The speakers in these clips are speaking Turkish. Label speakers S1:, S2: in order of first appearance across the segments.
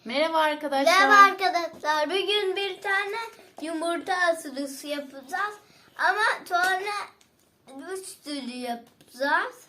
S1: Merhaba arkadaşlar.
S2: Merhaba arkadaşlar. Bugün bir tane yumurta ısırısı yapacağız. Ama sonra 3 türlü yapacağız.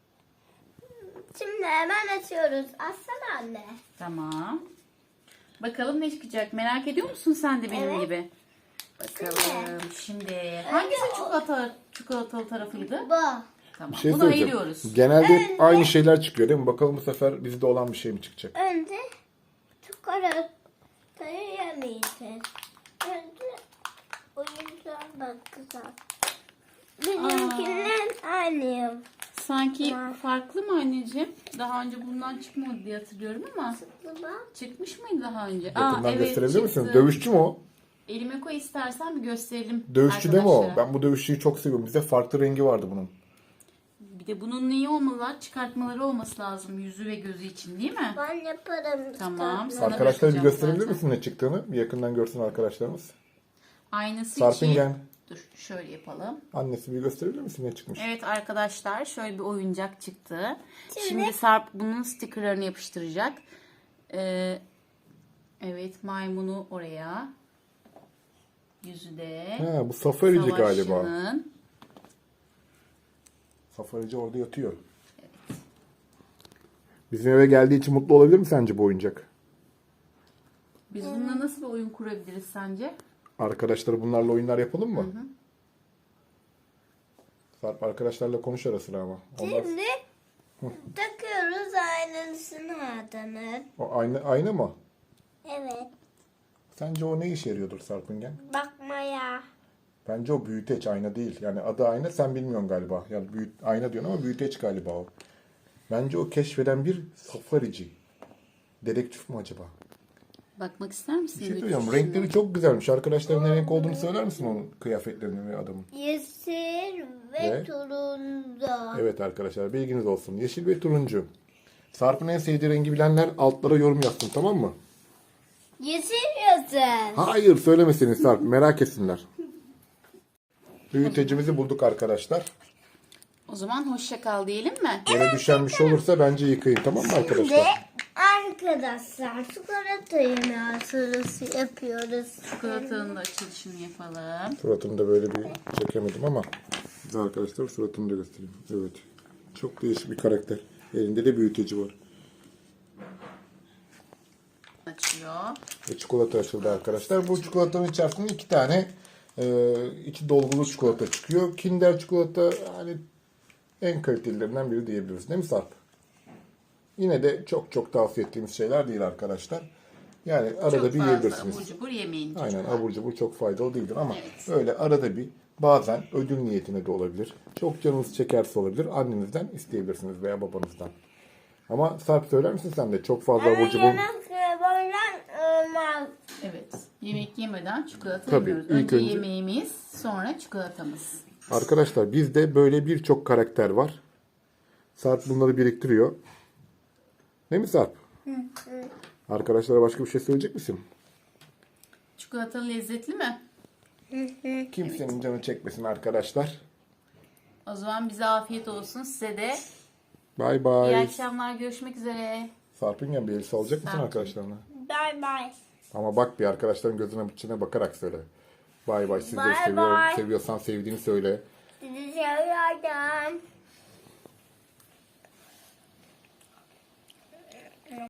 S2: Şimdi hemen açıyoruz. Açsana anne.
S1: Tamam. Bakalım ne çıkacak. Merak ediyor musun sen de benim
S2: Evet.
S1: gibi? Bakalım. Şimdi hangisi çikolatalı tarafıydı?
S2: Bu.
S1: Tamam.
S3: Bir şey
S1: Bunu
S3: söyleyeceğim.
S1: ayırıyoruz.
S3: Genelde hep aynı şeyler çıkıyor değil mi? Bakalım bu sefer bizde olan bir şey mi çıkacak?
S2: Önce çikolatayı yemeyeceğiz. Önce oyuncağa bakacağız. Bizimkinden aynıyım.
S1: Sanki farklı mı anneciğim? Daha önce bundan çıkmadı diye hatırlıyorum ama
S2: Bak.
S1: çıkmış mıydı daha önce?
S3: Yakından gösterebilir misin?
S1: çıktı.
S3: Dövüşçü mü o?
S1: Elime koy istersen bir gösterelim.
S3: Dövüşçü değil mi o?
S1: arkadaşlara.
S3: Ben bu dövüşçüyü çok seviyorum. Bizde farklı rengi vardı bunun.
S1: Bir de bunun neyi olmalı? Çıkartmaları olması lazım yüzü ve gözü için değil mi?
S2: Ben yaparım.
S1: Tamam.
S2: çıkartma.
S1: Sana
S3: Arkadaşlar bir
S1: bakacağım
S3: gösterebilir
S1: zaten.
S3: misin ne çıktığını? Bir yakından görsün arkadaşlarımız.
S1: Aynısı
S3: Sarpingen.
S1: için. Dur şöyle yapalım.
S3: Annesi bir gösterebilir misin ne çıkmış?
S1: Evet arkadaşlar şöyle bir oyuncak çıktı. Şimdi Sarp bunun stickerlarını yapıştıracak. Evet maymunu oraya. Yüzü de.
S3: Ha, bu safarici galiba.
S1: Savaşçının.
S3: Safarici orada yatıyor. Bizim eve geldiği için mutlu olabilir mi sence bu oyuncak?
S1: Biz bununla nasıl bir oyun kurabiliriz sence?
S3: Arkadaşlar bunlarla oyunlar yapalım mı? Sarp arkadaşlarla konuş ara sıra ama. Onlar...
S2: Şimdi takıyoruz aynısını adamın.
S3: O aynı mı?
S2: Evet.
S3: Sence o ne işe yarıyordur Sarpingen?
S2: Bakmaya.
S3: Bence o büyüteç, ayna değil. Yani adı ayna, sen bilmiyorsun galiba. Yani ayna diyorsun ama büyüteç galiba o. Bence o keşfeden bir safarici. Dedektif mi acaba?
S1: Bakmak ister misin?
S3: Bir şey
S1: bütün
S3: söyleyeceğim.
S1: şuna?
S3: Renkleri çok güzelmiş. Arkadaşların ne renk olduğunu söyler misin onun kıyafetlerini ve adamın?
S2: Yeşil ve
S3: Ne?
S2: turuncu.
S3: Evet arkadaşlar, bilginiz olsun. Yeşil ve turuncu. Sarp'ın en sevdiği rengi bilenler altlara yorum yazsın, tamam mı?
S2: Yeşil yazın.
S3: Hayır, söylemesiniz Sarp. Merak etsinler. Büyütecimizi bulduk arkadaşlar.
S1: O zaman hoşça kal diyelim mi?
S3: Yere düşen bir şey olursa bence yıkayın, tamam mı
S2: Ve
S3: arkadaşlar?
S2: arkadaşlar çikolata yemeği sırası yapıyoruz.
S1: Çikolatanın da açılışını yapalım.
S3: Suratını da böyle bir çekemedim ama. Güzel arkadaşlar, suratını da göstereyim. Evet. Çok değişik bir karakter. Elinde de büyüteci var.
S1: Açıyor.
S3: Ve çikolata açıldı arkadaşlar. Bu çikolatanın içerisinde iki tane içi dolgulu çikolata çıkıyor. Kinder çikolata hani en kalitelilerinden biri diyebiliriz. Değil mi Sarp? Yine de çok tavsiye ettiğimiz şeyler değil arkadaşlar. Yani arada
S1: Çok
S3: bir
S1: fazla
S3: yiyebilirsiniz.
S1: abur cubur yemeyin
S3: Aynen,
S1: çocuklar.
S3: abur cubur çok faydalı değildir ama
S1: Evet.
S3: öyle arada bir, bazen ödül niyetine de olabilir. Çok canınız çekerse olabilir. Annenizden isteyebilirsiniz veya babanızdan. Ama Sarp söyler misin sen de? Çok fazla abur cubur.
S2: Yemek yemeden olmaz.
S1: Evet. Yemek yemeden çikolata
S3: Tabii,
S1: yemiyoruz.
S3: ilk
S1: Önce
S3: önce-
S1: yemeğimiz, sonra çikolatamız.
S3: Arkadaşlar bizde böyle birçok karakter var. Sarp bunları biriktiriyor. Değil mi Sarp? Arkadaşlara başka bir şey söyleyecek misin?
S1: Çikolata lezzetli mi?
S3: Kimsenin canı çekmesin arkadaşlar.
S1: O zaman bize afiyet olsun. Size de
S3: Bay
S1: iyi
S3: bay.
S1: akşamlar. Görüşmek üzere.
S3: Sarp'ın bir elbise alacak mısın
S1: Sarp.
S3: arkadaşlarına?
S2: Bye bye.
S3: Ama bak bir arkadaşların gözüne içine bakarak söyle. Bay bay. Sizleri
S2: Bay
S3: seviyorum.
S2: bay.
S3: Seviyorsan sevdiğini söyle.
S2: Sizi seviyorum.